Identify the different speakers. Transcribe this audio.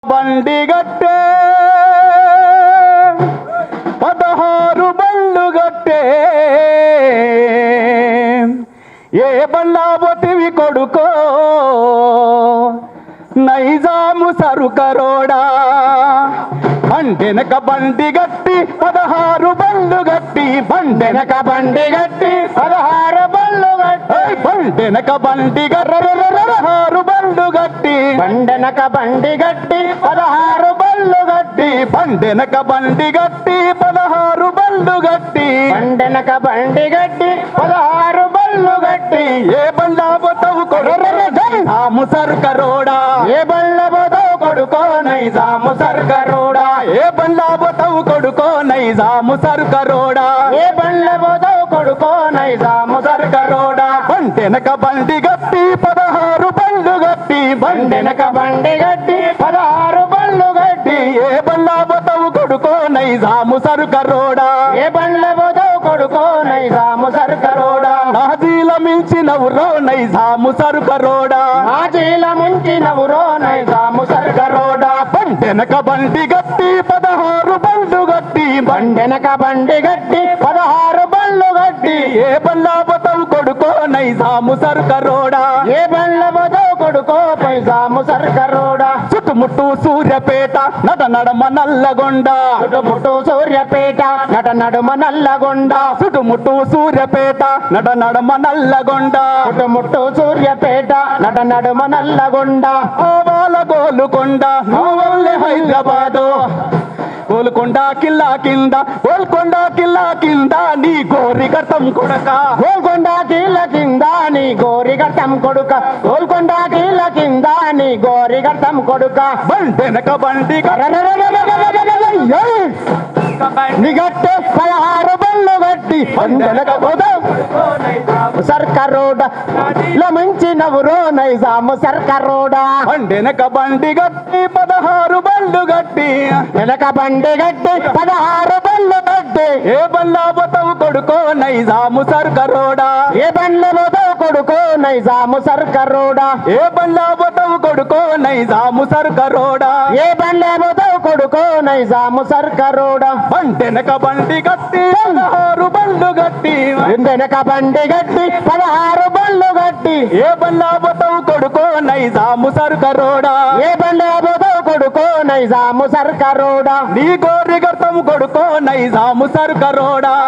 Speaker 1: బండి గట్టే 16 బళ్ళు గట్టే ఏ బళ్ళా బొటివి కొడుకో నైజాము సరుకరోడా బండెనక బండి గట్టి 16 బళ్ళు గట్టి బండెనక బండి గట్టి 16 బళ్ళు గట్టి బండెనక బండి 16 బళ్ళు గట్టి బండెనక బండి గట్టి 16 బళ్ళు గట్టి బండెనక బండి గట్టి 16 బళ్ళు గట్టి బండెనక బండి గట్టి 16 బళ్ళు గట్టి ఏ బండ్లా పోతావు నైజాము సరుకరోడా ఏ బండ్ల పోతావు కొడుకో నైజాము సరుకరోడా ఏ బండ్లా పోతావు కొడుకో నైజాము సరుకరోడా ఏ బండ్ల పోతావు కొడుకో నైజాము సరుకరోడా బండెనక బండి గట్టి 16 బళ్ళు గట్టి బండెనక బండి గట్టి 16 బళ్ళు గట్టి ఏ బండ్లా పోతావు కొడుకో నైజాము సరుకరోడా ఏ బండ్ల పోతావు కొడుకో నైజాము సరుకరోడా నాజీల మించినవురో నైజాము సరుకరోడా నాజీల మించినవురో నైజాము సరుకరోడా బండెనక బండి గట్టి 16 బళ్ళు గట్టి బండెనక బండి గట్టి 16 బళ్ళు గట్టి ఏ బండ్లా పోతావు కొడుకో నైజాము సరుకరోడా ఏ బండ్ల పోతావు కొడుకో నైజాము సరుకరోడా చుట్టుముట్టు సూర్యపేట నడ నడమ నల్లగొండ చుట్టుముట్టు సూర్యపేట నడ నడుమ నల్లగొండ చుట్టుముట్టు సూర్యపేట నడ నడమ నల్లగొండ చుట్టుముట్టు సూర్యపేట నడ నడుమ నల్లగొండ ఆవాల గోలుకొండ నవ్వల్లే హైదరాబాదు గోల్కొండ కిల్లా కింద గోల్కొండ కిల్లా కింద నీ గోరి గతం కొడక గోల్కొండ కిల్లా కింద నీ గోరి గతం కొడుక గోల్కొండ కిల్లా కింద నీ గోరి గతం కొడుక బండెనక బండి నిగట్టే 16 బళ్ళు గట్టి బండెనక సర్కరోడా లమించినవురో నైజాము సర్కరోడా బండెనక బండి గట్టి 16 బళ్ళు గట్టి వెనక బండి గట్టి 16 బళ్ళు గట్టి ఏ బండ్లా పోతావు కొడుకో నైజాము సర్కరోడా ఏ బండ్ల పోతావు కొడుకో నైజాము సర్కరోడా ఏ బండ్లా పోతావు కొడుకో నైజాము సర్కరోడా ఏ బండ్ల పోతావు కొడుకో నైజాము సర్కరోడా బండెనక బండి గట్టి 16 బళ్ళు గట్టి బండెనక బండి గట్టి 16 బళ్ళు గట్టి ఏ బండ్లా పోతావు కొడుకో నైజాము సర్కరోడా ఏ బండ్ల పోతావు కొడుకో నైజాము సర్కరోడా నీ గోరి గతం కొడుకో నైజాము సర్కరోడా